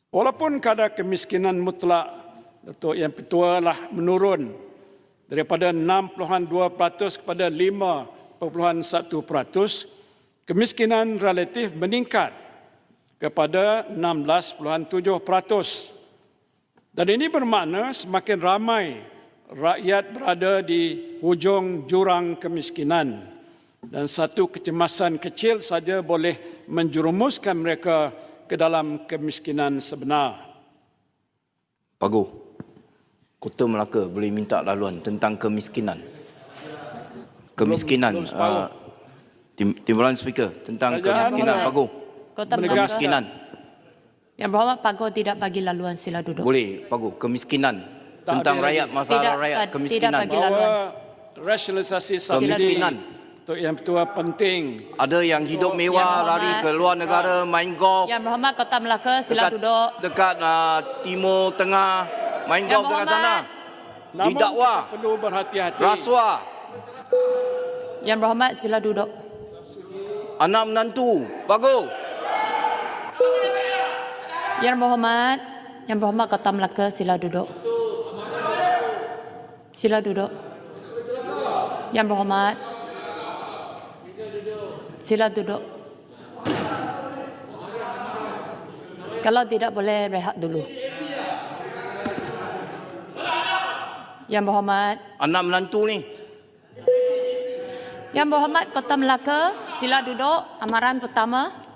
Walaupun kadar kemiskinan mutlak Datuk Yang Pertua lah menurun daripada 6.2% kepada 5.1%, kemiskinan relatif meningkat kepada 16.7%. Dan ini bermakna semakin ramai rakyat berada di hujung jurang kemiskinan dan satu kecemasan kecil saja boleh menjerumuskan mereka ke dalam kemiskinan sebenar. Pagu, Kota Melaka boleh minta laluan tentang kemiskinan. Kemiskinan, Timbalan Speaker, tentang kemiskinan, Pagu. Kota Kemiskinan. Yang Berhormat Pagu tidak bagi laluan, sila duduk. Boleh, Pagu. Kemiskinan. Tentang rakyat, masalah rakyat, kemiskinan. Tidak bagi laluan. Bahawa rasionalisasi subsidi Datuk Yang Pertua penting. Ada yang hidup mewah, lari ke luar negara, main golf. Yang Berhormat Kota Melaka, sila duduk. Dekat Timur Tengah, main golf dekat sana. Namun Didakwa. kita perlu berhati-hati. Rasuah. Yang Berhormat, sila duduk. Anak menantu. Pagu. Yang Berhormat Kota Melaka, sila duduk. Sila duduk. Yang Berhormat, sila duduk. Kalau tidak, boleh rehat dulu. Yang Berhormat, Anak menantu ni. Yang Berhormat Kota Melaka, sila duduk. Amaran pertama.